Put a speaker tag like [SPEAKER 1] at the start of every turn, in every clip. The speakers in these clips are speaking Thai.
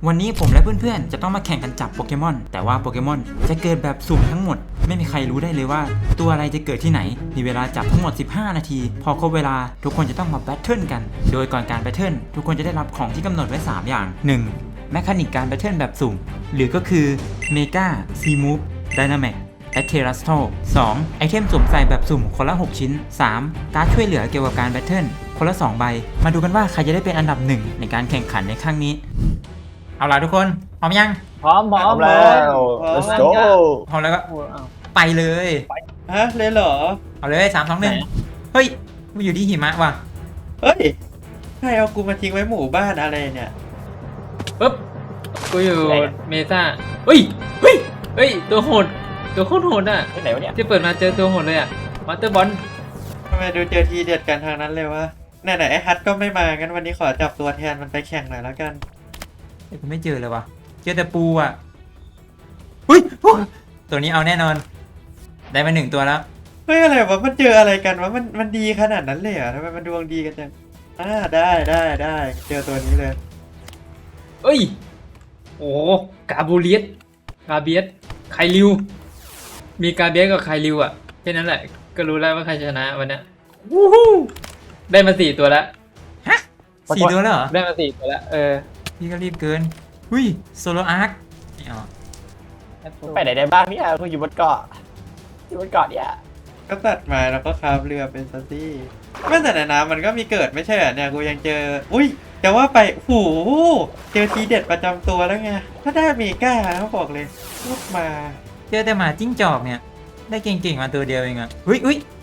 [SPEAKER 1] วันนี้ผมและเพื่อนๆจะต้องมาแข่งกันจับโปเกมอนแต่ว่าโปเกมอนจะเกิดแบบสุ่มทั้งหมดไม่มีใครรู้ได้เลยว่าตัวอะไรจะเกิดที่ไหนมีเวลาจับทั้งหมด15นาทีพอครบเวลาทุกคนจะต้องมาแบทเทิลกันโดยก่อนการแบทเทิลทุกคนจะได้รับของที่กำหนดไว้3อย่าง 1. แมคานิกการแบทเทิลแบบสุ่มหรือก็คือเมกาซีมูฟไดนามิกและเทรัสโต 2. ไอเทมสวมใส่แบบสุ่มคนละ 6 ชิ้น 3. การ์ดช่วยเหลือเกี่ยวกับการแบทเทิลคนละ2ใบมาดูกันว่าใครจะได้เป็นอันดับ1ในการแข่งขันในครั้งนี้เอาล่ะทุกคนพร้อมยัง
[SPEAKER 2] พร้อม
[SPEAKER 3] แล้ว let's go
[SPEAKER 1] พร้อมแล้วก็ไปเลย
[SPEAKER 2] ฮะเลยเหรอ
[SPEAKER 1] เอาเลย3 2 1เฮ้ยกูอยู่ที่หิมะว่ะ
[SPEAKER 2] เฮ้ยใครเอากูมาทิ้งไว้หมู่บ้านอะไรเนี่ย
[SPEAKER 4] ปึ๊บกูอยู่เมซ่าเฮ้ยตัวโหดตัวโคตรโหดอ่ะ
[SPEAKER 3] ที่ไหนวะเนี่ย
[SPEAKER 4] ที่เปิดมาเจอตัวโหดเลยอ่ะมาสเตอร์บอล
[SPEAKER 2] ทำไมดูเจอทีเด็ดกันทางนั้นเลยวะไหนไอ้ฮัทก็ไม่มางั้นวันนี้ขอจับตัวแทนมันไปแข่งหน่อยแล้วกัน
[SPEAKER 1] กูไม่เจอเลยว่ะเจอแต่ปูอ่ะเฮ้ยตัวนี้เอาแน่นอนได้มา1ตัวแล้ว
[SPEAKER 2] เฮ้ยอะไรวะมันเจออะไรกันวะมันดีขนาดนั้นเลยเหรอทำไมมันดวงดีกันจังได้เจอตัวนี้เลย
[SPEAKER 4] เอ้ยโอ้กาบูเลียสไคลิวมีกาเบียสกับไคลิวอ่ะแค่นั้นแหละก็รู้แล้วว่าใครชนะวันเนี้ยวู้ฮู้ได้มา4ตัวแล้ว
[SPEAKER 1] ฮะ4ตัวแล้วเหรอ
[SPEAKER 4] ได้มา4ตัวแล้ว
[SPEAKER 1] พี่ก็รีบเกินหุ้ยโซโลอาร์คไม่เอา
[SPEAKER 3] ไปไหนได้บ้างเนี่ยกูอยู่บนเกาะเนี่ย
[SPEAKER 2] ก็ตัดมาแล้วก็คาบเรือเป็นซัตตี้ไม่แต่ในน้ำมันก็มีเกิดไม่ใช่เหรอเนี่ยกูยังเจออุ้ยแต่ว่าไปโหเจอทีเด็ดประจำตัวแล้วไงถ้าได้เมกาเขาบอกเลยพูดมา
[SPEAKER 1] เจอแต่หมาจิ้งจอกเนี่ยได้เก่งๆมาตัวเดียวเองอ่ะเฮ้ย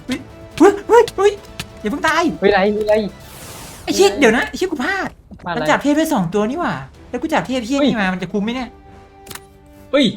[SPEAKER 1] อย่าเพิ่งตาย
[SPEAKER 4] วิไล
[SPEAKER 1] ไอ้เชี่ยเดี๋ยวนะไอ้เชี่ยกูพลาด
[SPEAKER 4] มาอะไร
[SPEAKER 1] มันจับเทพได้2ตัวนี่หว่าแล้วกูจับเทพเชี่ยนี่มามันจะคุ้มไหมเนี่ย
[SPEAKER 4] เฮ้ย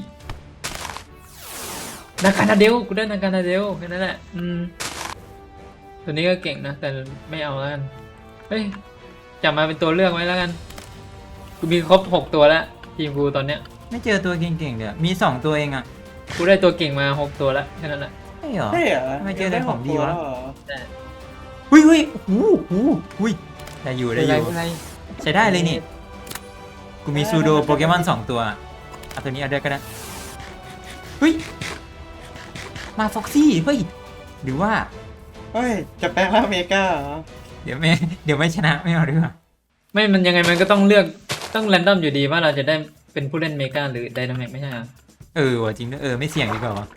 [SPEAKER 4] นาคานาเดลกูได้นาคานาเดลแค่นั้นแหละตัวนี้ก็เก่งนะแต่ไม่เอาแล้วกันเฮ้ยจับมาเป็นตัวเลือกไว้แล้วกันกูมีครบ6ตัวแล้วทีมกูตอนเนี้ย
[SPEAKER 1] ไม่เจอตัวเก่งๆเลยมี2ตัวเองอ่ะ
[SPEAKER 4] กูได้ตัวเก่งมา6ตัวแล้วแค่นั้นแหละ
[SPEAKER 1] ใช่เหรอ
[SPEAKER 2] ใช่เหรอ
[SPEAKER 1] ทำไมเจอแต่ของดีวะ
[SPEAKER 2] ได้หกตัวเหรอ
[SPEAKER 4] แต่
[SPEAKER 1] หุ้ยได้อยู่
[SPEAKER 4] ไม่เป็นไร
[SPEAKER 1] ใช้ได้เลยนี่กูมีซูโดโปเกมอน2ตัวเอาตัวนี้เอาด้วยก็ได้เฮ้ยมาฟ็อกซี่เฮ้ยหรือว่า
[SPEAKER 2] เฮ้ยจะแปลงร่างเมกาเหรอ
[SPEAKER 1] เดี๋ยวไม่ชนะไม่เอาดีกว่า
[SPEAKER 4] ไม่มันยังไงมันก็ต้องเลือกต้องแรนดอมอยู่ดีว่าเราจะได้เป็นผู้เล่นเมกาหรือไดนามิกไม่ใช่เหรอ
[SPEAKER 1] ว่ะจริงด้วยไม่เสี่ยงดีกว่าวะ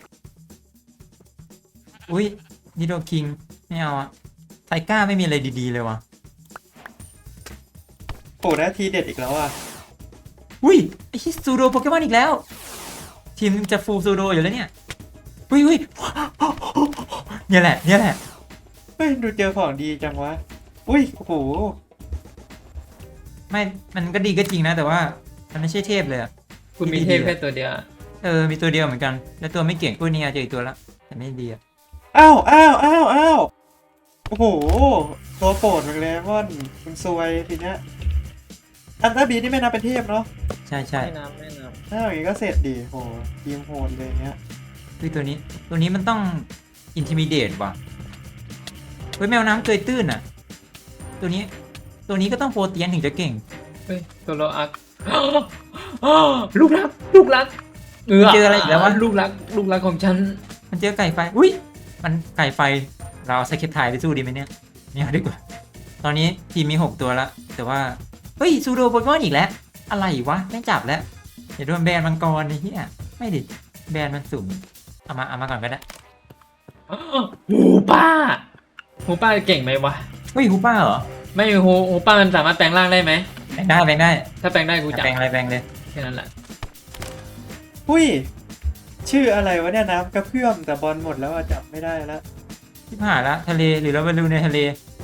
[SPEAKER 1] อุ้ยนิโดคิงไม่เอาอะไทก้าไม่มีอะไรดีๆเลยวะ
[SPEAKER 2] โหได้ทีเด็ดอีกแล้วอ่ะ
[SPEAKER 1] อุ้ยไอ้ซูโดโปเกมอนอีกแล้ว ทีมจะฟูลซูโดอยู่แล้วเนี่ยอุ้ยเนี่ยแหละ
[SPEAKER 2] เฮ้ยดูเจอของดีจังวะอุ้ยโอ้โห
[SPEAKER 1] ไม่มันก็ดีก็จริงนะแต่ว่ามันไม่ใช่เทพเลยอะ
[SPEAKER 4] คุณมีเทพแค่ตัวเดียวอะ
[SPEAKER 1] มีตัวเดียวเหมือนกันแล้วตัวไม่เก่งพวกนี้เจออีกตัวละแต่ไม่ดีอะ
[SPEAKER 2] อ้าวโอ้โหตัวโปรดมันเลยม่อนมันซวยทีเนี้ยอันตราบีนี่ไม่นับเป็นเทพเนาะ
[SPEAKER 1] ใช่
[SPEAKER 4] ไม่น้ำ
[SPEAKER 2] ถ้าอย่างงี้ก็เสร็จดีโหทีมโหดเลยเนี้ย
[SPEAKER 1] คือตัวนี้มันต้องอินทิมิเดตว่ะเฮ้ยแมวน้ำเกยตื้นอะตัวนี้ก็ต้องโปรเตียนถึงจะเก่ง
[SPEAKER 4] เฮ้ยตัวโลอัก ลูกรัก
[SPEAKER 1] เจออะไรอีกแล้ววะ
[SPEAKER 4] ลูกรักของฉัน
[SPEAKER 1] มันเจอไก่ไฟอุ้ยมันไก่ไฟเราเอาสเก็ตไทยไปสู้ดีไหมเนี่ยไม่เอาดีกว่าตอนนี้ทีมมี6ตัวแล้วแต่ว่าเฮ้ยซูโดโปเกมอนอีกแล้วอะไรวะไม่จับแล้วอย่าโดนแบนมังกรไอ้เหี้ยไม่ดิแบนมันสุ่มเอามาก่อนก็ได้
[SPEAKER 4] หูป้าเก่งไหมวะ
[SPEAKER 1] เฮ้ยฮูป้าเหรอ
[SPEAKER 4] ไม่หูป้ามันสามารถแปลงร่างได้ไหม
[SPEAKER 1] แบงได้
[SPEAKER 4] ถ้าแปลงได้กูจับ
[SPEAKER 1] แบงอะไรแบงเลย
[SPEAKER 4] แค่นั้นแหละ
[SPEAKER 2] หุ้ยชื่ออะไรวะเนี่ยน้ำกระเพื่อมแต่บอลหมดแล้วอะจับไม่ได้แล้ว
[SPEAKER 1] ที่ผ่านละทะเลหรือเราไปดูในทะเล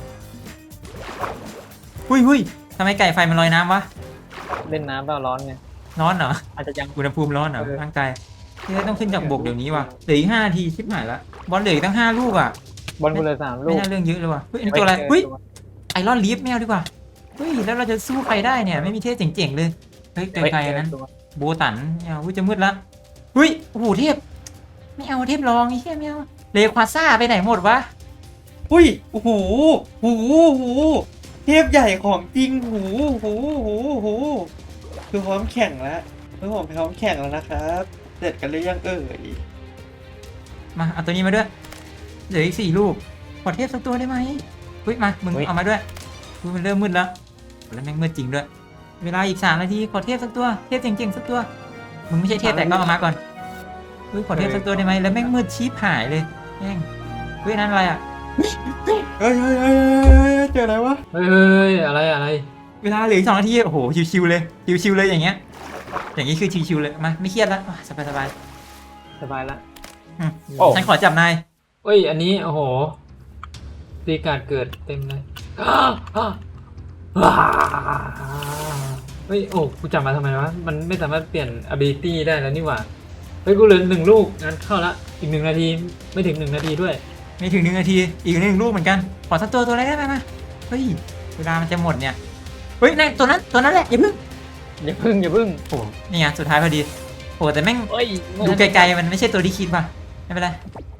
[SPEAKER 1] หุ้ยทำไมไก่ไฟมันลอยน้ำวะ
[SPEAKER 4] เล่นน้ำเปล่าร้อนไง
[SPEAKER 1] ร้อนเหรอ
[SPEAKER 4] อาจจะยัง
[SPEAKER 1] อุณหภูมิร้อนเหรอร่างกายที่ต้องขึ้นจากบกเดี๋ยวนี้ว่ะเหลืออีก5 นาทีชิบหายละบอลเหลืออีกตั้ง5 ลูกอ่ะ
[SPEAKER 4] บอลกูเลย3 ลู
[SPEAKER 1] ไม่
[SPEAKER 4] ก
[SPEAKER 1] น่าเรื่องเยอะเลยว่ะเฮ้ยอันนี้ตัวอะไรเฮ้ยไอรอนลีฟไม่เอาดีกว่าเฮ้ยแล้วเราจะสู้ใครได้เนี่ยไม่มีเทพเจ๋งๆเลยเฮ้ยไกลๆนั้นโบตันไม่เอาจะมืดละเฮ้ยโอ้โหเทพไม่เอาเทพรองไอ้เหี้ยไม่เอาเลควาซ่าไปไหนหมดวะ
[SPEAKER 2] หุ้ยโอ้โหเทพใหญ่ของจริงหูคือพร้อมแข่งแล้วคือผมพร้อมแข่งแล้วนะครับเสร็จกันหรือยังเอ่ย
[SPEAKER 1] มาเอาตัวนี้มาด้วยเหลืออีก4 ลูกขอเทพสักตัวได้ไหมเฮ้ยมามึงเอามาด้วยอุ๊ยมันเริ่มมืดแล้วแม่งมืดจริงด้วยเวลาอีก3 นาทีขอเทพสักตัวเทพเจ๋งๆสักตัวมึงไม่ใช่เทพแต่ก็เอามาก่อนเฮ้ยขอเทพสักตัวได้ไหมแล้วแม่งมืดชีพหายเลยแม่งเฮ้ยนั่นอะไรอ่ะ
[SPEAKER 2] เฮ้ยเจออะไรวะ
[SPEAKER 4] เฮ้ยอะไรอะไร
[SPEAKER 1] เวลาเหลืออีก2 นาทีโอ้โหชิวๆเลยชิวๆเลยอย่างเงี้ยอย่างนี้คือชิวๆเลยมาไม่เครียดแล้วสบาย
[SPEAKER 4] สบายละ
[SPEAKER 1] ๆอืม
[SPEAKER 3] โอ้
[SPEAKER 1] ฉันขอจับนาย
[SPEAKER 4] เอ้ยอันนี้โอ้โหตีการ์ดเกิดเต็มเลย เฮ้ยโอ้กูจับมาทำไมวะมันไม่สามารถเปลี่ยน ability ได้แล้วนี่หว่าเฮ้ยกูเหลือ1 ลูกงั้นเข้าละอีก1 นาทีไม่ถึง1 นาทีด้วย
[SPEAKER 1] ไม่ถึง1 นาทีอีก1 ลูกเหมือนกันขอสักตัวอะไรได้ไหมมาเฮ้ยเวลามันจะหมดเนี่ยเฮ้ยนั่นตัวนั้นแหละอย่าเพิ่ง
[SPEAKER 4] อย่าพึ่ง
[SPEAKER 1] โอ้นี่ไงสุดท้ายพอดีโอ้แต่แม่ง
[SPEAKER 4] เอ้ย
[SPEAKER 1] ดูไกลๆมันไม่ใช่ตัวที่คิดป่ะไม่เป็นไร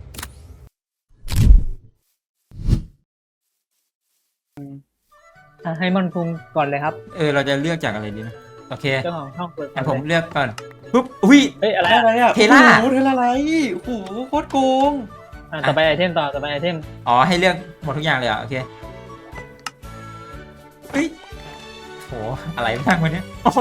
[SPEAKER 5] ให้มันคุงก่อนเลยครับ
[SPEAKER 1] เราจะเลือกจากอะไรดีนะโอเค
[SPEAKER 5] เจ้าของช่องเปิดก่
[SPEAKER 1] งั้
[SPEAKER 5] อน
[SPEAKER 1] นผม
[SPEAKER 5] เลย
[SPEAKER 1] เลือกก่อนปุ๊บอุ้ย
[SPEAKER 5] เฮ้ยอะไร
[SPEAKER 2] อะไรอ่ะ
[SPEAKER 1] เทล่า
[SPEAKER 2] โอ้โหเทล่าไรโอ้โหโคตรโกง
[SPEAKER 5] ต่อไปไอเทมต่อไปไอเทม
[SPEAKER 1] อ๋อให้เลือกหมดทุกอย่างเลยเหรอโอเคเฮ้ยโหอะไรบ้างวันนี้โอ้โห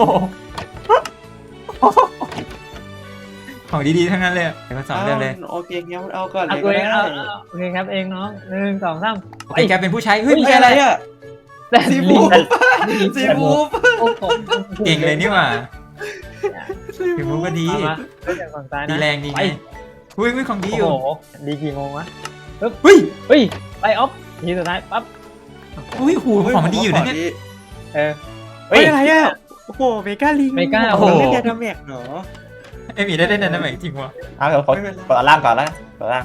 [SPEAKER 1] ของดีๆทั้งนั้นเลยเดี๋ยวมาสอนเรื่องเลย
[SPEAKER 2] โอเคงั้นเอาก่อนเล
[SPEAKER 5] เอา
[SPEAKER 2] ย
[SPEAKER 5] ตัว
[SPEAKER 2] ก็
[SPEAKER 5] เอง
[SPEAKER 2] ได้
[SPEAKER 5] เอาโอเคครับเองน้อง1 2 3
[SPEAKER 1] โอเคแกเป็นผู้ใช้เฮ้ย
[SPEAKER 2] เฮ้ย
[SPEAKER 1] ไม่ใช่
[SPEAKER 2] อะ
[SPEAKER 1] อะไร ไร
[SPEAKER 2] อ่ะ
[SPEAKER 5] แต่
[SPEAKER 2] ซี
[SPEAKER 5] ลิ
[SPEAKER 2] บู
[SPEAKER 5] ง
[SPEAKER 2] ฟซีบูฟ
[SPEAKER 5] โอ้โห
[SPEAKER 1] เก่งเลยนี่หว่าถึงมุกก็ดี
[SPEAKER 5] เอามาเริ่มจากฝั่งซ้าย
[SPEAKER 1] ดี
[SPEAKER 5] นะ
[SPEAKER 1] แรงดีไงอุ้ยของดี
[SPEAKER 5] โอ้
[SPEAKER 1] อยู่
[SPEAKER 5] โหดีกี่โมงวะ
[SPEAKER 1] เฮ้ย
[SPEAKER 5] เฮ้ยไปออฟทีสุดท้ายปั๊บ
[SPEAKER 1] อุ้ยหูของมันดีอยู่นะเนี่ย
[SPEAKER 5] เออ
[SPEAKER 2] เฮ้ยอะไรอ่ะโอ้โหเมกาลิง
[SPEAKER 5] เมกา
[SPEAKER 2] โอ้โห
[SPEAKER 1] โอ้โห
[SPEAKER 2] เล่นแกดาเมจเหรอ
[SPEAKER 1] ไอ้หมีได้นั่นไหมจริงวะ
[SPEAKER 3] เอาเดี๋ยวกด
[SPEAKER 2] ไม่เป็นไร
[SPEAKER 3] กดอันล่างก่อนแล้วกดอันล่าง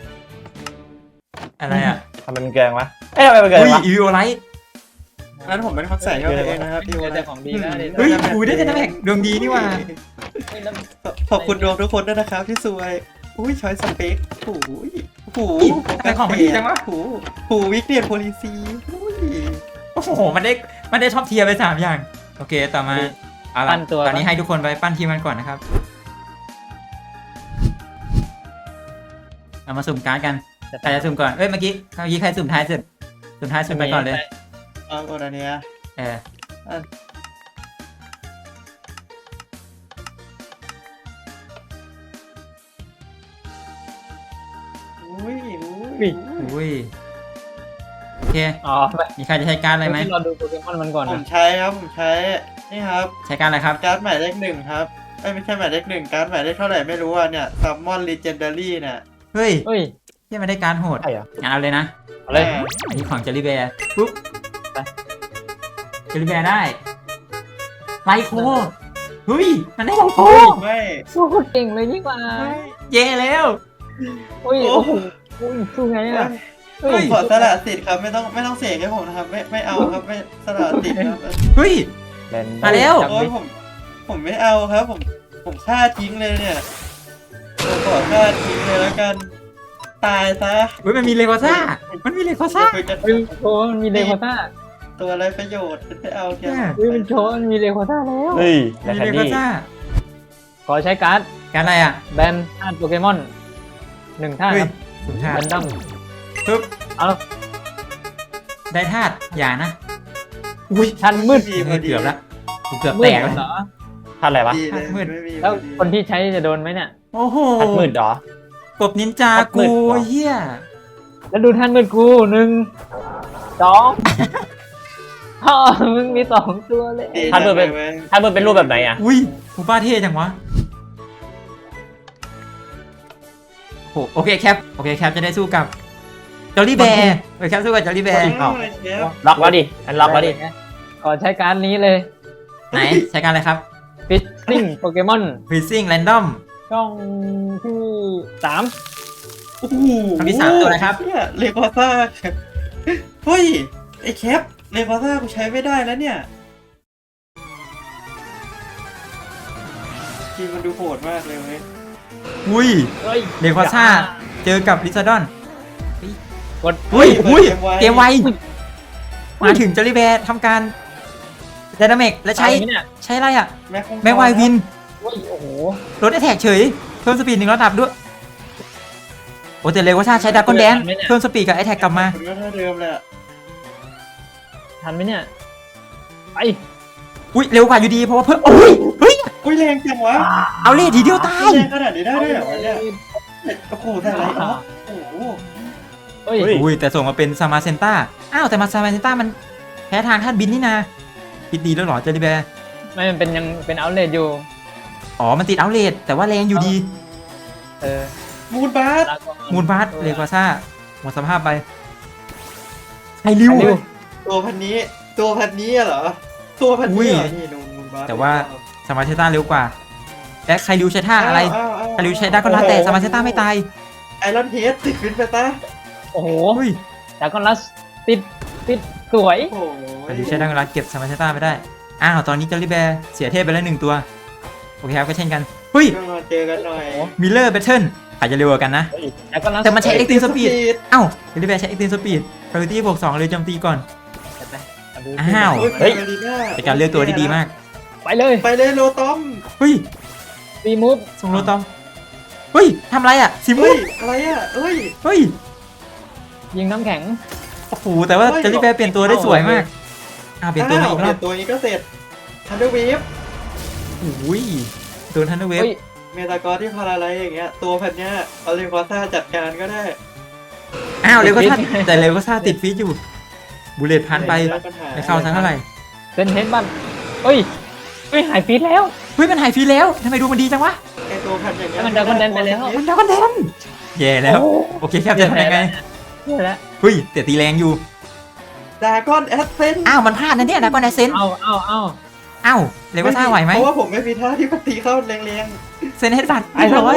[SPEAKER 1] อะไรอ่ะ
[SPEAKER 3] ทำไมมันเกินวะเอ้ยทำไมมันเกิน
[SPEAKER 1] อุ้ยว
[SPEAKER 3] ะ
[SPEAKER 1] อีวิโอไลท์
[SPEAKER 2] งั้นผมเป็นคนใส่เข้าไปเองนะครับพี่
[SPEAKER 5] เจ
[SPEAKER 2] วั
[SPEAKER 5] อน แต่ของดีนะ
[SPEAKER 1] เฮ้ยหูได้แต่น้ำแข็งดวงดีนี่หว่า
[SPEAKER 2] ขอบคุณดวงทุกคนด้วยนะครับที่สวยอุ้ยช้อยสเปคโอ้ยโอ้โห
[SPEAKER 1] แต่ของมันดีจังวะ
[SPEAKER 2] โอ้โหวิกเนียนโพลิซีอุ้ย
[SPEAKER 1] โอ้โหมันได้ท็อปเทียร์ไป3 อย่างโอเคต่อมาเอาล่ะตอนนี้ให้ทุกคนไปปั้นทีมกันก่อนนะครับเอามาสุ่มการ์ดกันใครจะสุ่มก่อนเมื่อกี้ใครสุ่มท้ายสุดสุ่มไปก่อนเลย
[SPEAKER 2] เอาก่อนอันเนี้ย
[SPEAKER 1] เออ
[SPEAKER 2] อุ้ย
[SPEAKER 1] อุ้ยโอเค
[SPEAKER 5] อ๋อ
[SPEAKER 1] มีใครจะใช้การ์ดอะไรไหม
[SPEAKER 5] เราดูโปเกมอนมันก่อน
[SPEAKER 2] ผม
[SPEAKER 5] นะ
[SPEAKER 2] ใช้ครับผมใช้นี่ครับ
[SPEAKER 1] ใช้การ์ดอะไรครับ
[SPEAKER 2] การ์ดหมายเลข1ครับไม่ใช่หมายเลข1การ์ดหมายเลขเท่าไหร่ไม่รู้อ่ะเนี่ยซัมมอนลีเจนดารี่เนี่ย
[SPEAKER 1] เฮ้ย
[SPEAKER 5] เฮ้ย
[SPEAKER 1] ยังไม่ได้การ์ดโหด
[SPEAKER 3] ใช่เหรอ
[SPEAKER 1] งั้นเอาเลยนะ
[SPEAKER 5] เอาเลย
[SPEAKER 1] อันนี้ของเจลลี่แบร์ปุ๊บไปเจลลี่แบร์ได้ไลโคเฮ้ยมันได้ไลโค
[SPEAKER 2] ไม่
[SPEAKER 5] สู้โคตรเก่งเลยนี่หว่า
[SPEAKER 1] เย่แล้ว
[SPEAKER 5] โอ้ย
[SPEAKER 2] โอ้
[SPEAKER 5] โอ้โหสู้ไงอ่ะ
[SPEAKER 2] ผมขอสละสิทธิ์ครับไม่ต้องเสกให้ผมนะครับไม่เอาครับไม่สละสิทธิ์ครับ
[SPEAKER 1] เฮ้ย
[SPEAKER 3] เล่น
[SPEAKER 1] มาแล้ว
[SPEAKER 2] โอ้ยผมไม่เอาครับผมฆ่าทิ้งเลยเนี่ยผมขอฆ่าทิ้งเลยแล้วกันตายซะ
[SPEAKER 1] เฮ้ยมันมีเลโกซ่ามันมีเลโกซ่า
[SPEAKER 2] คุยกัน
[SPEAKER 5] เฮ้ยโชว์มันมีเลโคต้า
[SPEAKER 2] ตัวอะไรประโยชน์ฉันไม่เอาแค่
[SPEAKER 5] เฮ้ยมันโชว์มันมีเลโคต้าแล้ว
[SPEAKER 3] เฮ้ยแล
[SPEAKER 1] มี
[SPEAKER 3] ค
[SPEAKER 1] เลโก
[SPEAKER 3] ดี้
[SPEAKER 1] ซ่า
[SPEAKER 5] ขอใช้การ์ด
[SPEAKER 1] การ์ดอะไรอ่ะ
[SPEAKER 5] แบนธาตุโปเกมอน1ธาตุ
[SPEAKER 1] เฮ้
[SPEAKER 5] ค
[SPEAKER 1] ย
[SPEAKER 5] รับ
[SPEAKER 1] สุดท้าย
[SPEAKER 5] แบนดัม
[SPEAKER 1] ปุ๊บ
[SPEAKER 5] เอา
[SPEAKER 1] ได้ธาตุอย่านะอุ้ย
[SPEAKER 5] ทันมืด
[SPEAKER 2] ดีพอดี
[SPEAKER 1] เกือบละกูเกือบ
[SPEAKER 5] มื
[SPEAKER 1] แต
[SPEAKER 5] ด
[SPEAKER 1] กแล้ว
[SPEAKER 5] เหรอ
[SPEAKER 3] ท่านอะไรวะ
[SPEAKER 2] ดีเลย
[SPEAKER 1] มืด
[SPEAKER 2] ไม่มี
[SPEAKER 5] แล้ว
[SPEAKER 2] พอดี
[SPEAKER 5] คนที่ใช้จะโดนไหมเนี่ย
[SPEAKER 1] โอ้โห
[SPEAKER 3] ทัดมืดเหรอ
[SPEAKER 1] กบนินจา
[SPEAKER 3] ทัดมื
[SPEAKER 1] กู
[SPEAKER 3] ดเหรอ
[SPEAKER 1] เฮีย
[SPEAKER 5] แล้วดูท่านมืดกู1 2พ่อมึงมี2ตัวเลย
[SPEAKER 2] ดี
[SPEAKER 3] ท่านมืดเป็น
[SPEAKER 2] จังลย
[SPEAKER 3] ท่านมืดเป็นรูปแบบไหนอ่ะ
[SPEAKER 1] อุ้ยกูป้าเท่จังวะโอเคแคปจะได้สู้กับจอลลี่แบร์แคปสู้กับจอลลี่แบร์
[SPEAKER 2] เอาเชฟ
[SPEAKER 3] ล็อกแล้วดิอันล็อกแล้วดิ
[SPEAKER 5] ขอใช้การ์ดนี้เลย
[SPEAKER 1] ไหนใช้การอะไรครับ
[SPEAKER 5] ฟิชซิ่งโปเกมอน
[SPEAKER 1] Freezing Random
[SPEAKER 5] ช่องที่3
[SPEAKER 2] โอ้โห
[SPEAKER 1] คำที่3ตัวอะไรครับ
[SPEAKER 2] เนี่ยเลโกซ่าเฮ้ยไอ้แคปเลโกซ่ากูใช้ไม่ได้แล้วเนี่ยจริงมันดูโหดมากเลยเว้ย
[SPEAKER 1] อุ้ย
[SPEAKER 5] เฮ้ย
[SPEAKER 1] เลโคซ่าเจอกับลิซาดอน
[SPEAKER 5] กด
[SPEAKER 1] อุ้ย
[SPEAKER 2] เกมไว
[SPEAKER 1] เกมไวมาถึงจอลลี่แบร์ทำการไดนามิกแล้วใช้
[SPEAKER 5] ตายไหมเนี่ย
[SPEAKER 1] ใช้อะไรอ่ะ
[SPEAKER 2] แม็กคง
[SPEAKER 1] แม็กไววิน
[SPEAKER 5] โอ้ยโอ้โห
[SPEAKER 1] ลดแอทแทกเฉยเพิ่มสปีด1 ระดับด้วยโอ้แต่เร็วกว่าชาใช้ดากอนแดนเพิ่มสปีดกับแอทแทกกลับมา
[SPEAKER 2] มันก็เท่าเดิมแหละ
[SPEAKER 5] ทันไหมเนี่ยไป
[SPEAKER 1] อุ้ยเร็วกว่าอยู่ดีเพราะว่าเพิ่มโอ้ยเฮ้ย
[SPEAKER 2] อุ้ยแรงจังวะ
[SPEAKER 1] เอาเลยทีเดียวตาย
[SPEAKER 2] แรงขนาดนี้ได้ด้วยเหรอวะเนี่ยโอ้โหแต่ไรอ๋อโอ้โห
[SPEAKER 5] เฮ้ย
[SPEAKER 1] อุ้ยแต่ส่งมาเป็นซามาเซนต้าอ้าวแต่มาซามาเซนต้ามันแพ้ทางธาตุบินนี่นาคิดดีแล้วเหรอเจอริแบร์
[SPEAKER 5] ไม่มันเป็นยังเป็นเอาท์เลทอยู่
[SPEAKER 1] อ๋อมันติดเอาเลทแต่ว่าแรงอยู่ดี
[SPEAKER 5] เออ
[SPEAKER 2] มูนบาส
[SPEAKER 5] ลาก่อน
[SPEAKER 1] มูลบาสเลกวาซ่าหมดสภาพไปไฮริว
[SPEAKER 5] ไฮริว
[SPEAKER 2] ตัวพันนี้เหรอตัวพันนี้เหรอนี่นูมูนบาส
[SPEAKER 1] แต่ว่าซามาเซนต้าเร็วกว่าและไคริวใช้ท่าอะไรไคริวใช้ดากอนลาแต่ซามาเซนต้าไม่ตาย
[SPEAKER 2] ไอรอนเฮดติดฟินไปตา
[SPEAKER 5] โอ้โห
[SPEAKER 1] เฮ้ย
[SPEAKER 5] ดากอนลัสติดสวย
[SPEAKER 2] โอ้โห
[SPEAKER 1] ไคริวใช้ดากอนลาเก็บซามาเซนต้าไม่ได้อ้าวตอนนี้เจอริแบร์เสียเทพไปแล้ว1 ตัวโอเคครับก็เช่นกันเฮ้ย
[SPEAKER 2] ก็มาเจอกันหน่อย
[SPEAKER 1] มิลเลอร์แบทเทิลใครจะเร็วกว่ากันนะ
[SPEAKER 5] ดากอนลัส
[SPEAKER 1] แต่มันใช้ Extreme Speed เอ้าเจอริแบร์ใช้ Extreme Speed Priority บวก2เลยโจมตีก่อน อ้าว
[SPEAKER 2] เฮ้ย
[SPEAKER 1] เป็นการเลือกตัวที่ดีมาก
[SPEAKER 5] ไปเลย
[SPEAKER 2] ไปเลยโลตอม
[SPEAKER 1] เฮ้ย
[SPEAKER 5] รีมูฟ
[SPEAKER 1] ส่งโรตอมเฮ้ยทำอะไรอ่ะซิมู
[SPEAKER 2] เฮ้ยอะไรอ่ะเฮ้ย
[SPEAKER 1] เฮ้ย
[SPEAKER 5] ยิงน้ำแข็ง
[SPEAKER 1] โอ้โหแต่ว่า
[SPEAKER 2] เฮ้ย
[SPEAKER 1] เจอริแบร์เปลี่ยนตัวได้สวยมากเปลี่ยนตัวมาอีกร
[SPEAKER 2] เป
[SPEAKER 1] อ
[SPEAKER 2] ลี่
[SPEAKER 1] บ
[SPEAKER 2] ยนตัวนี้ก็เสร็จทันเดอร์วีฟ
[SPEAKER 1] อุ้ยโดนทันเดอร์เวฟ
[SPEAKER 5] เฮ้ย
[SPEAKER 2] เมตากอที่พาราไลอย่างเงี้ยตัวพันเนี้ยเอาเลควาซ่าจัดการก็ได้
[SPEAKER 1] อ้าวเร็วก็ท่าแต่เร็วก็ท่าติดฟีดอยู่บูเลตพันไป
[SPEAKER 2] ม่มีปัญห
[SPEAKER 1] ไม่เข้าทั้งเท่าไหร่
[SPEAKER 5] เซนเฮดบันเฮ้ยหายฟีดแล้ว
[SPEAKER 1] เฮ้ยมันหายฟีดแล้วทำไมดูมันดีจังวะ
[SPEAKER 2] ไอตัวพันอย่างเงี้ย
[SPEAKER 5] มันดราก้อนแดนไปแล้ว
[SPEAKER 1] มันดาวกันแดนแย่แล้วโอเคครับจะทำยังไง
[SPEAKER 5] นี่แหละ
[SPEAKER 1] เฮ้ยแต่ตีแรงอยู่
[SPEAKER 2] ดราก้อนแอสเซน
[SPEAKER 1] อ้าวมันพลาดนะเนี่ยดากอนแดนเซน
[SPEAKER 5] เอา
[SPEAKER 1] อ้าวเร็วก็ท่าไหวไหม
[SPEAKER 2] เพราะว่าผมไม่มีท่าที่ปฏิเข้าแรง
[SPEAKER 1] เซนเฮดบัต
[SPEAKER 2] ๆ
[SPEAKER 1] เรียบร้อย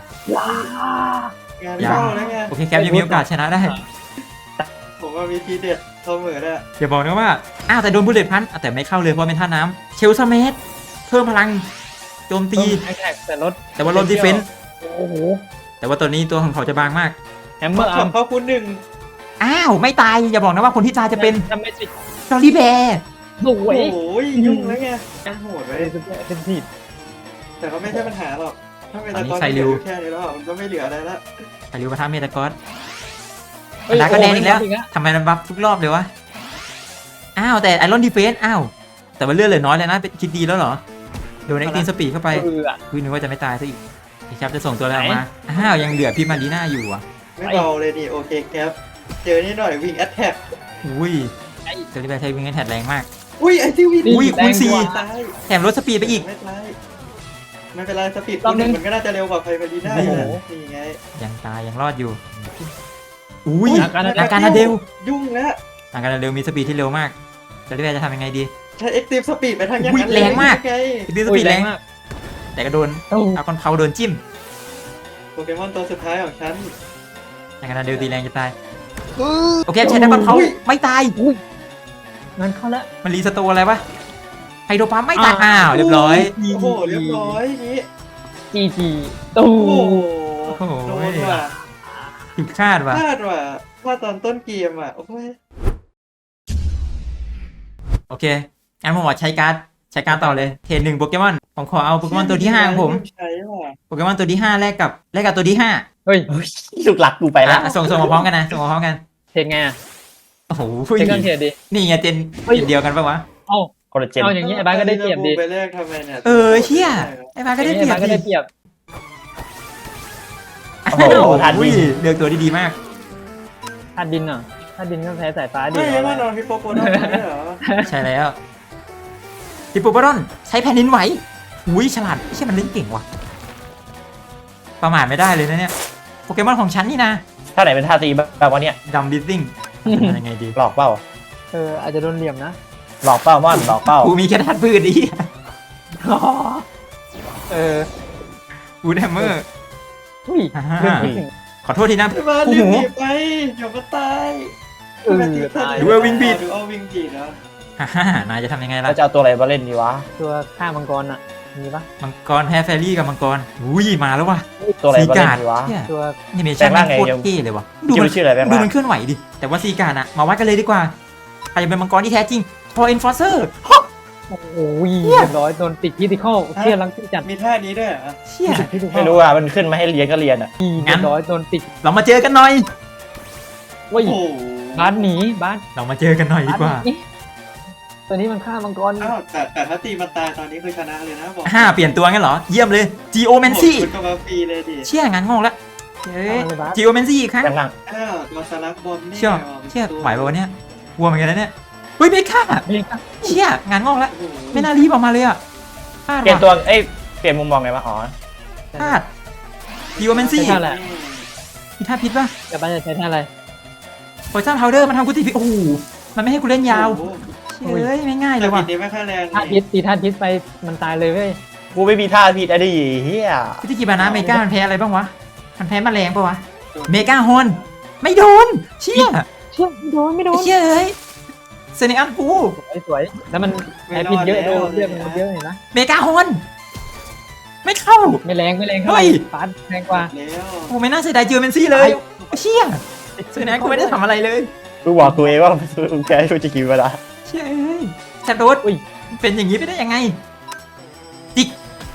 [SPEAKER 2] งานเข้าแล้วไง
[SPEAKER 1] โอเคแคปยังมีโอกาสชนะได้
[SPEAKER 2] ผมว่ามีทีเด็ดเสมอได้
[SPEAKER 1] อย่าบอกนะว่า อ้าวแต่โดนบุลเลตพันแต่ไม่เข้าเลยเพราะเป็นท่าน้ำเชลซาเมสเพิ่มพลังโจมตี
[SPEAKER 5] แอคแท็กแต่รถ
[SPEAKER 1] แต่ว่าลดดีเฟนส์
[SPEAKER 5] โอ้โห
[SPEAKER 1] แต่ว่าตัวนี้ตัวของเขาจะบางมาก
[SPEAKER 5] แฮมเมอร์
[SPEAKER 2] ข
[SPEAKER 5] อา
[SPEAKER 2] อ
[SPEAKER 5] ร์
[SPEAKER 2] บ
[SPEAKER 5] ม
[SPEAKER 2] พระคุณหนึ่ง
[SPEAKER 1] อ้าวไม่ตายอย่าบอกนะว่าคนที่ตายจะเป็น
[SPEAKER 5] ทำไม่สิ
[SPEAKER 1] จอรี่แบร์
[SPEAKER 5] ส
[SPEAKER 2] โอ้
[SPEAKER 5] วย
[SPEAKER 2] โหยุ่งแล้วไงโหดไว้
[SPEAKER 5] เป็นทีด
[SPEAKER 2] แต่ก็ไม่ใช่ปัญหาหรอก ถ้าเมตากอนเหลือแค่นี้แล้วมันก็ไม่เหลืออะไรละ
[SPEAKER 1] ไคริวปะทะเมตากอสดาร์กแดนอีกแล้วทำไมมันบัฟทุกรอบเลยวะอ้าวแต่ไอรอนดีเฟนส์อ้าวแต่ว่าเลือดเหลือน้อยเลยนะเป็นคิดดีแล้วเหรอโดนเอ็กซ์ตีนสปีดเข้าไป คือนึกว่าจะไม่ตายซะอีกพี่ครับจะส่งตัวอะไรออกมา อ้าว ยังเหลือพี่มารีน่าอยู่อ่ะ
[SPEAKER 2] ไม่เบาเลยนี่โอเคครับเจอนี่หน่อยวิ่งแอตแทก
[SPEAKER 1] อุ้ยเซอร์ริแบร์ใช้วิงเงินแทดแรงมาก
[SPEAKER 2] อุ้ยไอที่วิ่ง
[SPEAKER 1] อุ้ยคูณสี่
[SPEAKER 2] ตาย
[SPEAKER 1] แถมลดสปีดไปอีก
[SPEAKER 2] ไม่ตายไม่เป็นไรสปีดคนหนึ่งมันก็น่าจะเร็วกว่าไฟเบอร์ดีน่า
[SPEAKER 1] โอ้โห
[SPEAKER 2] นี่ไง
[SPEAKER 1] ยังตายยังรอดอยู่ อุ้ย
[SPEAKER 5] อาการ
[SPEAKER 1] อาการนาเดล
[SPEAKER 2] ยุ่งแล้ว
[SPEAKER 1] อาการนาเดลมีสปีดที่เร็วมากเซอร์ริแบร์จะทำยังไงดี
[SPEAKER 2] ใช้เอ็กซ์ตรีมสปีดไปทางอย่าง
[SPEAKER 1] อุ้ย
[SPEAKER 2] นั้น
[SPEAKER 1] แรงมาก
[SPEAKER 2] ไง
[SPEAKER 1] ดีสปีดแรง แต่ก็โดนเอาคอนเขาโดนจิ้ม
[SPEAKER 2] โปเกมอนตัวสุดท้ายของฉัน
[SPEAKER 1] อาการนาเดลตีแรงจะตาย โอเคใช้ดักคอนเขาไม่ตาย
[SPEAKER 5] งานเข้าแล้ว
[SPEAKER 1] มันรีสโตร์อะไรวะไฮโดรปั๊มไม่ตาย อ้าว เรียบร้อย
[SPEAKER 2] โอ้โหเรียบร้อยอย่างนี้
[SPEAKER 5] จีตู
[SPEAKER 2] โอ้โห
[SPEAKER 1] โอ้โห
[SPEAKER 2] โดนว่ะ
[SPEAKER 1] ผิดคาดว่ะ
[SPEAKER 2] พลาดว่ะพลาดตอนต้นเกมอ่ะโอ้ย
[SPEAKER 1] โอเคงั้นผมขอใช้การ์ดต่อเลยเทรด1โปเกมอนผมขอเอาโปเกมอนตัวที่5ของผม
[SPEAKER 2] ใช้ว่ะ
[SPEAKER 1] โปเกมอนตัวที่5แลกกับตัวที่5
[SPEAKER 5] เฮ้ย
[SPEAKER 3] ลูกหลักกูไปแล้ว
[SPEAKER 1] ส่งมาพร้อมกันนะส่งมาพร้อมกัน
[SPEAKER 5] เทรดไงอ่ะ
[SPEAKER 1] โอ้โห
[SPEAKER 5] เทรดกันเทรดดิ
[SPEAKER 1] นี่ไงเจนเดียวกันปะวะ
[SPEAKER 5] เอ้า
[SPEAKER 3] คนละเจน
[SPEAKER 5] เอาอย่างนี้ไอ้บ้านก็ได้เปรียบดิ
[SPEAKER 2] ไปแรกทำไมเนี่ย
[SPEAKER 1] เชี่ยไอ้มาก็ได้เปรียบ
[SPEAKER 5] บ้านก็ได้เปรียบ
[SPEAKER 3] โอ้โหทัน
[SPEAKER 1] อุ้
[SPEAKER 3] วิ่
[SPEAKER 1] ย
[SPEAKER 3] ง
[SPEAKER 1] เลือกตัวดีๆมาก
[SPEAKER 5] ธาตุดินเหรอธาตุดินก็แพ้สายฟ้าดิ
[SPEAKER 2] ไม่ยังว่านอนพี่โปโปนอนไม่เหรอ
[SPEAKER 1] ใช่แล้วฮิปโปปารอนใช้แผ่นดินไหวอุ้ยฉลาดไม่ใช่มันเล่นเก่งว่ะประมาทไม่ได้เลยนะเนี่ยโปเกมอนของฉันนี่นะ
[SPEAKER 3] ท่าไหนเป็นท่าตีแบบว่าเนี่ย
[SPEAKER 1] ดัมบิซซิ่งทำยังไงดี
[SPEAKER 3] หลอกเป้า
[SPEAKER 5] อาจจะโดนเหลี่ยมนะ
[SPEAKER 3] หลอกเป้ามอนหลอกเป้า
[SPEAKER 1] กูมีแค่ธาตุพืชดิ กูแดมเมอร์
[SPEAKER 5] อุ้ยเรื่องที่หนึ่ง
[SPEAKER 1] ขอโทษทีนะ
[SPEAKER 2] มา
[SPEAKER 1] กู
[SPEAKER 2] ลืม
[SPEAKER 1] หู
[SPEAKER 2] บีบไปเดี๋ยวก็ตาย
[SPEAKER 5] ตาย
[SPEAKER 1] หรือว่าวิ่งบีด
[SPEAKER 2] หรือเอาวิ่งบีดเหรอ
[SPEAKER 1] ฮ่านายจะทำยังไงล่ะ
[SPEAKER 3] แล้วจะเอาตัวอะไรมาเล่นดีวะ
[SPEAKER 5] ตัวฆ่ามังกรอ่ะมีปะ
[SPEAKER 1] มังกรแพ้แฟรี่กับมังกรอุ้ยมาแล้วว่ะ
[SPEAKER 3] ตัวอะไรมาเล่นดีวะ
[SPEAKER 1] เนี่ย
[SPEAKER 5] ตัว
[SPEAKER 1] แอนิเมชั่น
[SPEAKER 3] แปลงร่างไง
[SPEAKER 1] โคตร
[SPEAKER 3] ยัง
[SPEAKER 1] เท่เลยว่ะ
[SPEAKER 3] ชื่อมันชื่ออะไรแบงค์
[SPEAKER 1] ดู
[SPEAKER 3] ล่ะ
[SPEAKER 1] มันเคลื่อนไหวดิ แต่ว่าซีการ์ดอะมาวัดกันเลยดีกว่าใครจะเป็นมังกรที่แท้จริงพอเอ็นฟอร์เซอร์
[SPEAKER 5] โอ้ยเรียบร้อยโดนติดคิติคอลเชี่ยลังที่จัด
[SPEAKER 2] มีท่านี้ด้วยเหรอ
[SPEAKER 1] เชี่ย
[SPEAKER 5] ติดคิติคอ
[SPEAKER 3] ไม่
[SPEAKER 5] ล
[SPEAKER 3] รู้อ่ะมันขึ้นมาให้เรียนก็เรียนอ่ะ
[SPEAKER 5] เรียบร้อยโดนติด
[SPEAKER 1] เรามาเจอกันหน่อย
[SPEAKER 5] ว้ย
[SPEAKER 2] โอ้โห
[SPEAKER 5] บ้านหนีบ้าน
[SPEAKER 1] เรามาเจอกันหน่อยดีกว่า
[SPEAKER 5] บ้นหนีตัวนี้มันฆ่ามังกร
[SPEAKER 2] อ้าวแต่ถ้าตีมันตายตอนนี้คือชนะเลยนะบอก
[SPEAKER 1] เปลี่ยนตัวงั้นเหรอ เยี่ยมเลย Geomancy
[SPEAKER 2] คุณก็มาฟรีเลยดิ
[SPEAKER 1] เชี่ยงานงงละเฮ้ย
[SPEAKER 5] เอาเลยบาส
[SPEAKER 1] Geomancy อีกครั้ง
[SPEAKER 3] กำลัง
[SPEAKER 2] อ้าวตัวสลักบอมนี่
[SPEAKER 1] เชี่ย
[SPEAKER 2] ว่ะ
[SPEAKER 1] เชี่ยไหวป่าวะเนี่ยวัวเหมือนกันนะเนี่ยเฮ้ยเมค่า
[SPEAKER 5] นี่ครับ
[SPEAKER 1] เชี่ยงานงอกแล้ว
[SPEAKER 2] โอ้โห
[SPEAKER 1] ไม่น่ารีบออกมาเลยอ่ะพลาด
[SPEAKER 3] เปลี่ยน
[SPEAKER 1] ว่ะ
[SPEAKER 3] ตัวเอ้ยเปลี่ยนมุมมองไงวะอ๋อ
[SPEAKER 1] พลาด Geomancy
[SPEAKER 5] ใช่แหละ
[SPEAKER 1] มีท่าพิษป่ะ
[SPEAKER 5] แต่บ้านจะใช้ท่าอะไร
[SPEAKER 1] Poison Powder มันทำกูตีพิษโอ้โหมันไม่ให้กูเล่นยาว
[SPEAKER 2] โอ้โห
[SPEAKER 1] เฮ้ยไม่ง่ายเล
[SPEAKER 2] แต่
[SPEAKER 1] ย
[SPEAKER 2] ผิ
[SPEAKER 1] ว่ะ
[SPEAKER 2] ดนี้ไม่ค่อยแรง
[SPEAKER 5] ท่าพิษตีท่าพิษไปมันตายเลยเว้ย
[SPEAKER 3] กูไม่มีท่าผิดอะดิเฮีย
[SPEAKER 1] พิธีกิบานะเมกามันแพ้อะไรบ้างวะมันแพ้แมลงป่ะวะเมกาฮอนไม่โดนเชี่ย
[SPEAKER 5] เชี่ยไม่โด
[SPEAKER 1] ไอ้
[SPEAKER 5] น
[SPEAKER 1] เชี่ยเอ้ยเซเนอันกู
[SPEAKER 5] สวยแล้วมันแพ้พิษเยอะโดนเลือดมันเยอะเห็นไหม
[SPEAKER 1] เมกาฮอนไม่เข้า
[SPEAKER 5] ไม่แรงเท่า
[SPEAKER 1] เฮ้
[SPEAKER 5] ไหร่
[SPEAKER 1] ย
[SPEAKER 5] ฟาดแรงกว่า
[SPEAKER 2] แล้ว
[SPEAKER 1] กูไม่น่าเสียดายเจอเมนซี่เลยเชี่ยเซเนอันกูไม่ได้ทำอะไรเลย
[SPEAKER 3] กูบอกตัวเองว่ามึงแพ้ฟูจิกิเวลา
[SPEAKER 1] เชี่ยเอ้ยแซดโดด
[SPEAKER 5] อุ้ย
[SPEAKER 1] เป็นอย่างนี้ไปได้ยังไงจิก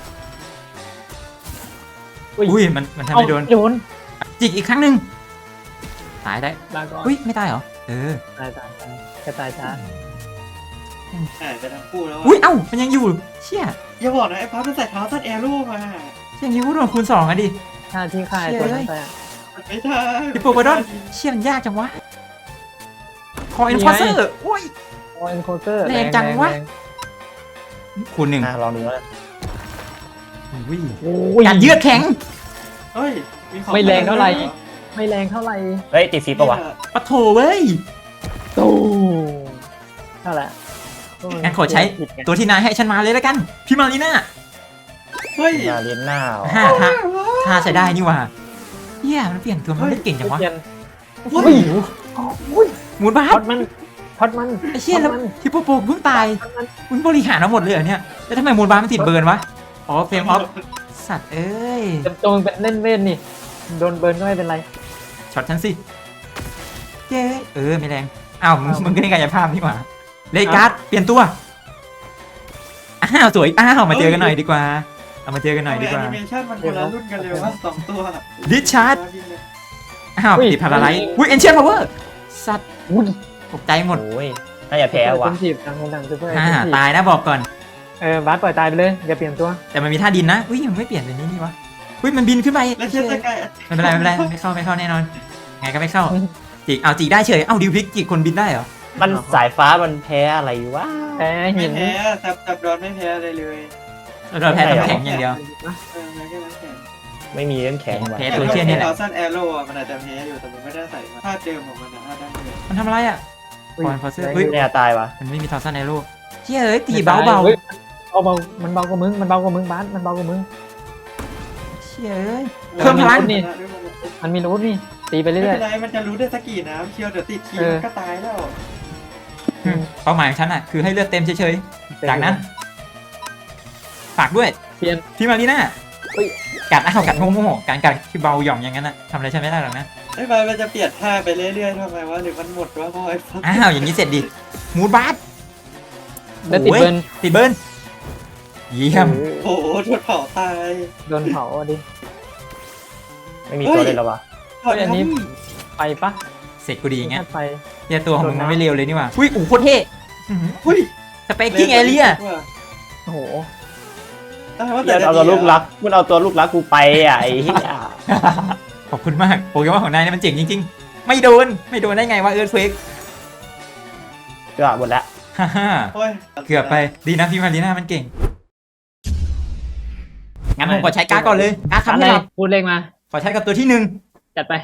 [SPEAKER 1] อุ้ยมันทำ
[SPEAKER 5] เอา
[SPEAKER 1] ไม่โดน
[SPEAKER 5] โดน
[SPEAKER 1] จิกอีกครั้งหนึ่งตายได้
[SPEAKER 5] ลาก่อน
[SPEAKER 1] อุ้ยไม่ตายเหรอเออ
[SPEAKER 5] ตายแค่ตายช้า
[SPEAKER 2] หายไปทั้งคู่แล้ว
[SPEAKER 1] อุ้ยเอ้ามันยังอยู่เชี่ย
[SPEAKER 2] อย่าบอกนะไอ้ป๊อปมันใส่เท้าสั้นแอร์รูมา
[SPEAKER 1] อย่างนี้กูโดนคูณ2อ่ะดิ
[SPEAKER 5] ท่าที่ฆ่าไอ้ตัวนั้นไปอะ
[SPEAKER 2] มันไม่ได้
[SPEAKER 1] พี่โปรโกดอนเชี่ยมันยากจังวะคอเอ็นฟอร์เซอร์โอ้ย
[SPEAKER 5] โอ้เอ็นโคเตอร์
[SPEAKER 1] แรงจังวะ คูณ1
[SPEAKER 3] ลองดูแล้ว
[SPEAKER 1] อุ้ย
[SPEAKER 5] โอ้ย
[SPEAKER 1] การยืดแข็ง
[SPEAKER 2] เฮ้ยของ
[SPEAKER 5] ไม่แรงเท่าไหร่ ไม่แรงเท่าไหร่
[SPEAKER 3] เฮ้ยติดฟีปะวะ
[SPEAKER 1] ปะโถเว้ย
[SPEAKER 5] ตู้เท่าไหร่
[SPEAKER 1] งั้นขอใช้ตัวที่นายให้ฉันมาเลยแล้วกัน พี่มารีน่า
[SPEAKER 2] เฮ้ย
[SPEAKER 3] มาเรียนหน้าเหรอ
[SPEAKER 1] ท่าใช้ได้นี่หว่าเฮียมันเปลี่ยนตัวมันเล่นเก่งจังวะ
[SPEAKER 5] เปลี่ยน
[SPEAKER 1] โอ้ยหมุนบ้า
[SPEAKER 5] พอดมันพอดมัน
[SPEAKER 1] ไอ้เชี่ยแล้ว
[SPEAKER 5] พอดมัน
[SPEAKER 1] ที่โปโปเพิ่งตายมึงบริหารมาหมดเลยเหรอเนี่ยแล้วทำไมหมุนบ้ามันติดเบิร์นวะอ๋อเฟรมออฟสัตว์เอ้ย
[SPEAKER 5] เต็มตัวมันเป็นเล่นเวทนี่โดนเบิร์นก็ไม่เป็นไร
[SPEAKER 1] ช็อตฉันสิเย้ไม่แรงอ้าวมึงก็ได้กายภาพนี่หว่าเลการ์ดเปลี่ยนตัวอ้าวสวยอ้าวมาเจอกันหน่อยดีกว่าเอามาเจอกันหน่อยดีกว่า
[SPEAKER 2] แอนิเมชั่นมันคนละรุ่นกันเลยว่าสองตัว
[SPEAKER 1] ดิชาร์ดอ้าวติดพาราไลท์อุ้ยเอนเชียนพาวเวอร์สัตว์
[SPEAKER 5] อุ้ย
[SPEAKER 1] ตกใจหมด
[SPEAKER 3] โอ้ยน่าจะแพ้ว่ะ
[SPEAKER 5] เป็นจีบทางคนต่างซูเปอร์
[SPEAKER 1] ตายนะบอกก่อน
[SPEAKER 5] บาสปล่อยตายไปเลยอย่าเปลี่ยนตัว
[SPEAKER 1] แต่มันมีท่าดินนะอุ้ยมันไม่เปลี่ยนเป็นนี้นี่วะอุ้ยมันบินขึ้นไป
[SPEAKER 2] แล้วเชื่อสกาย
[SPEAKER 1] ไม่เป็นไรไม่เข้าแน่นอนไงก็ไม่เข้าจิกเอาจิกได้เฉยเอ้าดิวพิกจิกคนบินได้เหรอ
[SPEAKER 3] มันสายฟ้ามันแพ้อะไรวะ
[SPEAKER 5] แพ้
[SPEAKER 2] ไม่
[SPEAKER 5] หิน
[SPEAKER 2] แพ้จับดอนไม่แพ้เลยเลย
[SPEAKER 1] เราแพ้น้ำแข็งอย่างเดียว
[SPEAKER 2] แพ้แค่นั้นแค่
[SPEAKER 3] ไม่มีเรื่องแข็งว่ะ
[SPEAKER 1] แพ้ตัวเชี่ยนี่แหละ
[SPEAKER 2] เราสั้นแอโร่มันอาจจะแพ้อยู่แต่มันไม่ได้ใส่มาท่าเดิมของมันนะท่าดั้งเดิม
[SPEAKER 1] มันทำอะไรอ่ะคอนฟอสเซอร์เฮ้ย
[SPEAKER 3] แน่ตายวะ
[SPEAKER 1] มันไม่มีทอร์ซันในโลกเชี่ยเอ้ยตีเบา
[SPEAKER 5] ฮ้ยเบามันเบากว่ามึงมันเบากว่ามึงบาสมันเบากว่ามึง
[SPEAKER 1] เชี่ยเอ้ยเพิ่มพลัง
[SPEAKER 5] นี่ มันมีรูทนี่ตีไป
[SPEAKER 2] ไม่
[SPEAKER 5] เรื่อ
[SPEAKER 2] เป็
[SPEAKER 5] ย
[SPEAKER 2] นไรมันจะรู้ได้สักกี่น้ำเชียวเดี๋ยวติดทีมันก็ตายแล้ว
[SPEAKER 1] เป้าหมายของฉันอ่ะคือให้เลือดเต็มเฉยๆจากนั้นฝากด้วย
[SPEAKER 5] เปลี่ยน
[SPEAKER 1] พี่มารีน่า
[SPEAKER 5] อุ้ย
[SPEAKER 1] กัดกัดโง่ๆการกัดที่เบาหย่อมอย่างนั้นน่ะทำอะไรฉันไม่ได้หรอกนะ
[SPEAKER 2] ไอ้ใบมันจะเปลี่ยนท่าไปเรื่อยๆทำไมวะหรือมันหมดวะพ่อไอ้ฟัก
[SPEAKER 1] อ้าวอย่างนี้เสร็จดิมูดบาส
[SPEAKER 5] แล้วติดเบิร์น
[SPEAKER 1] ติดเบิร์นเยี่ยม
[SPEAKER 2] โอ้โหถูกเผาตาย
[SPEAKER 5] โดนเผาดิ
[SPEAKER 3] ไม่มีตัวเล่นแล้ววะ
[SPEAKER 2] เผา
[SPEAKER 5] อันนี้
[SPEAKER 2] นี้
[SPEAKER 5] ไปปะ
[SPEAKER 1] เสร็จกูดีอย่างเงี้ย
[SPEAKER 5] ไป
[SPEAKER 1] เฮียตัวของมึงมันไม่เร็วเลยนี่หว่าอุ้ยโคตรเท่
[SPEAKER 2] อุ้ย
[SPEAKER 1] สเปกกิ้งเอเรีย
[SPEAKER 5] โอ้โห
[SPEAKER 3] มันเอาตัวลูกรักมันเอาตัวลูกรักกูไปอ่ะไอ้เหี้ย
[SPEAKER 1] ขอบคุณมากโปเกมอนของนายนี่มันเจ๋งจริงๆไม่โดนได้ไงวะเอิร์ธเฟก
[SPEAKER 3] ก็หมดแล้ว
[SPEAKER 1] ฮ่าฮ่า
[SPEAKER 2] โอ้ย
[SPEAKER 1] เกือบไปดีนะพี่มารีน่ามันเก่งงั้นผมขอใช้การ์ดก่อนเลยการ์ด
[SPEAKER 5] อะ
[SPEAKER 1] คำ
[SPEAKER 5] ไร
[SPEAKER 1] ให้รับ
[SPEAKER 5] พูดเลขมา
[SPEAKER 1] ขอใช้กับตัวที่หนึ่ง
[SPEAKER 5] จัดไป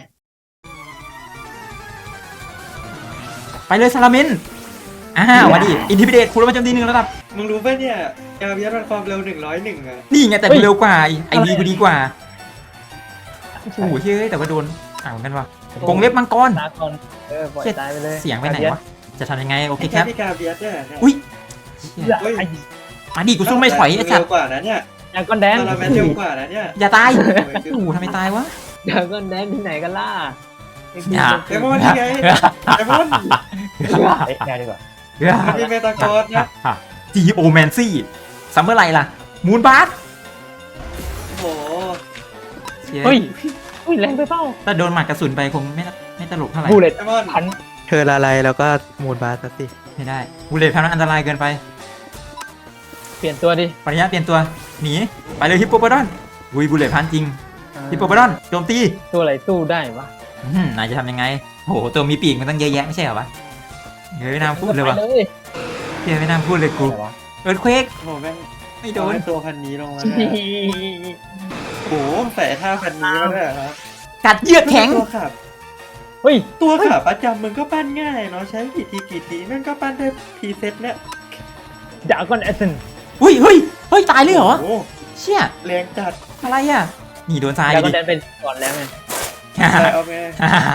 [SPEAKER 1] ไปเลยซาลาเมนมาดิอินทิพิเดตคูณแล้วมันโจมตี1 ระดับ
[SPEAKER 2] มึงรู้ป่ะเนี่ยกาเบียสมันความเร็ว101อะ
[SPEAKER 1] นี่ไงแต่
[SPEAKER 5] เฮ้ย
[SPEAKER 1] เร็วกว่าไอ
[SPEAKER 5] อะไร
[SPEAKER 1] วีกูดีกว่าโอ้โหเฮ้ยแต่ว่าโดนกันวะกรงเล็บมังกร
[SPEAKER 5] ตาก่อนปล่อยตายไปเลย
[SPEAKER 1] เสียงไปไหนวะจะทำยังไงโอเค
[SPEAKER 2] ไอ้
[SPEAKER 1] ค
[SPEAKER 2] แค่
[SPEAKER 1] รับ
[SPEAKER 2] ที่กาเบียสเนี่ยเนี่ย
[SPEAKER 1] อุ้ย
[SPEAKER 5] อย่า
[SPEAKER 2] เฮ้ย
[SPEAKER 1] มาดิกูสู้ไม่ถอยไอ้สัต
[SPEAKER 2] เร็
[SPEAKER 1] ว์
[SPEAKER 2] วกว่านะเนี่ย
[SPEAKER 5] อย่าก้อนแดง
[SPEAKER 2] ตอนเราแมนเร็วกว่านะเนี่ย
[SPEAKER 1] อย่าตาย
[SPEAKER 2] โอ้ย
[SPEAKER 1] โอ้โหทำไมตายวะ
[SPEAKER 5] อย่าก้อนแดงที่ไหนกันล่ะ
[SPEAKER 1] อย่า
[SPEAKER 2] เดมอนนี่ไงเดมอน
[SPEAKER 3] เฮ้ยแน่ดีกว่า
[SPEAKER 2] มันมีเมตากรนะ
[SPEAKER 1] จีโอแมนซี่ซัมเมอร์ไรล่ะมูนบาร์
[SPEAKER 2] โอ้โห
[SPEAKER 5] เฮ้ยอุ้ยแรงไปเปล่า
[SPEAKER 1] ถ้าโดนหมัดกระสุนไปคงไม่ตลกเท่าไหร่
[SPEAKER 5] บูเลต
[SPEAKER 2] ไอมอน
[SPEAKER 5] พัน
[SPEAKER 2] เธอละลายแล้วก็มูนบาสสิ
[SPEAKER 1] ไม่ได้บูเลตพันนั้นอันตรายเกินไป
[SPEAKER 5] เปลี่ยนตัวดิ
[SPEAKER 1] ปริญญาเปลี่ยนตัวหนีไปเลยฮิปโปโปดอนวุยบูเลตพันจริงฮิปโปโปดอนโจมตี
[SPEAKER 5] ตัวอะไรสู้ได้วะ
[SPEAKER 1] นายจะทำยังไงโหตัวมีปีกมันตั้งเยอะแยะไม่ใช่เหรอวะเฮ้ยไม่น่าพูดเลยวะ
[SPEAKER 5] ไปเลย
[SPEAKER 1] เฮียไม่น่าพูดเลยกู
[SPEAKER 5] อะไรวะ
[SPEAKER 1] เอิร์ธเควก
[SPEAKER 2] โอ้โหแม่ง
[SPEAKER 1] ไม่โดน
[SPEAKER 2] เอาตัวพันนี้ลงมาได้โอ้โหใส่ท่าพันนี้มาด้วยเหรอครับ
[SPEAKER 1] กัดเยือกแข็ง
[SPEAKER 2] ตัวขับ
[SPEAKER 5] เฮ้ย
[SPEAKER 2] ตัวขาประจำมึงก็ปั้นง่ายเนาะใช้กี่ทีแม่งก็ปั้นได้พีเซ็ตเนี่ย
[SPEAKER 5] ดากอนแอสเซน
[SPEAKER 1] อุ้ยเฮ้ยตายเลยเหรอ
[SPEAKER 2] โอ้โห
[SPEAKER 1] เชี่ย
[SPEAKER 2] แรงจัด
[SPEAKER 1] อะไรอ่ะนี่โดนทราย
[SPEAKER 5] ดากอ
[SPEAKER 1] ดิ
[SPEAKER 5] นแดนเป็นก่อนแล้วไง
[SPEAKER 2] แต่เอาไง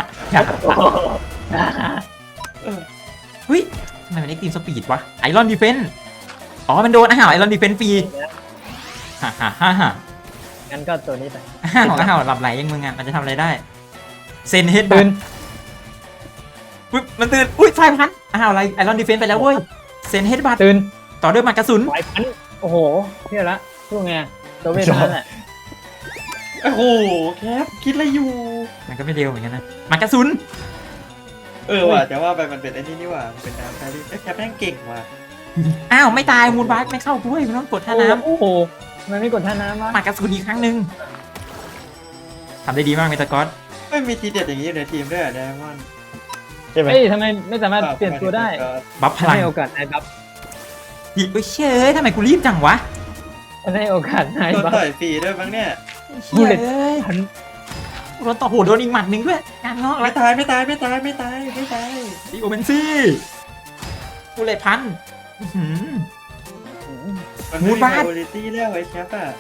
[SPEAKER 2] เออ
[SPEAKER 1] เฮ้ยทำไมมันเอ็กซ์ตรีมสปีดวะไอรอนดีเฟนอ๋อมันโดนไอรอนดีเฟนฟรีฮ่าฮ่าฮ่าฮ่า
[SPEAKER 5] งั้นก็ตัวนี้ไป
[SPEAKER 1] หลับไหลยังมึงอ่ะมันจะทำอะไรได้เซนเฮด
[SPEAKER 5] ตื่น
[SPEAKER 1] ปุ๊บมันตื่นอุ้ยทรายพันอะไรไอรอนดีเฟนไปแล้วเว้ยเซนเฮดบัต
[SPEAKER 5] ตื่น
[SPEAKER 1] ต่อด้วยหมัดกระสุน
[SPEAKER 5] ไหวพันโอ้โหเที่ยวละช่วงไงตัวเวทเท่านั้นแหละ
[SPEAKER 2] โอ้โหแคปคิดอะไรอยู่
[SPEAKER 1] มันก็ไม่เร็วเหมือนกันนะหมัดกระสุน
[SPEAKER 2] เออว่ะแต่ว่าไปมันเป็นไอ้นี่ว่ะมันเป็นน้ำแครี่แคปแม่งเก่งว่ะ
[SPEAKER 1] อ้าวไม่ตายมูนบาร์ไม่เข้าด้วยมันต้องกดท่าน้
[SPEAKER 5] โอ้โหมันไม่กดท่าน้ำวะ
[SPEAKER 1] ำหมัดกระสุนอีกครั้งหนึ่งทำได้ดีมากเมตากอส
[SPEAKER 2] ไม่มีทีเด็ดอย่างนี้อยู่ในทีมด้วยเหรอไดมอนด์
[SPEAKER 3] ใช่ไหม
[SPEAKER 5] เฮ้ยทำไมไม่สามารถเปลี่ยนตัวได้
[SPEAKER 1] บัฟพลัง
[SPEAKER 5] ให้โอกาสนายบัฟ
[SPEAKER 1] อีกเฮ้ยเชื่อทำไมกูรีบจังวะ
[SPEAKER 5] ให้โอกาสนาย
[SPEAKER 2] โดน
[SPEAKER 5] บัฟ
[SPEAKER 2] ต่อยฟรีด้วยมั้งเนี่ย
[SPEAKER 1] เชี่ย
[SPEAKER 5] Bullet
[SPEAKER 1] เอ้ย
[SPEAKER 5] พัน
[SPEAKER 1] โดนต่อโหโดนอีกหมัดหนึ่งด้วยงานงอก
[SPEAKER 2] ไม่
[SPEAKER 1] แล้ว
[SPEAKER 2] ตายไม่ตาย
[SPEAKER 1] ดีโอเมนซี่กูเลยพันอื้อหือ
[SPEAKER 2] มัน
[SPEAKER 1] มู
[SPEAKER 2] ไม่
[SPEAKER 1] น
[SPEAKER 2] มี
[SPEAKER 1] บาส
[SPEAKER 2] ไบโอลิตี้แล้วไอ้แคปอ่ะ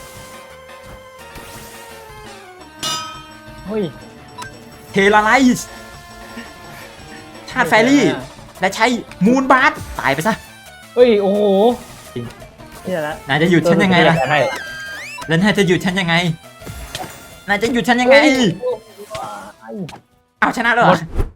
[SPEAKER 5] เฮ้ย
[SPEAKER 1] เทลาไลส์ธาตุแฟรี่ และใช้มูนบาร์ตายไปซะ
[SPEAKER 5] เฮ้ยโอ้โห
[SPEAKER 1] จริง
[SPEAKER 5] เที่ยวละ
[SPEAKER 1] นายจะหยุดฉันยังไงล่ะ
[SPEAKER 3] ให้
[SPEAKER 1] แล้วนายจะหยุดฉันยังไงนายจะหยุดฉันยังไง
[SPEAKER 5] เฮ้ย
[SPEAKER 1] เอาชนะแล้วเหรอ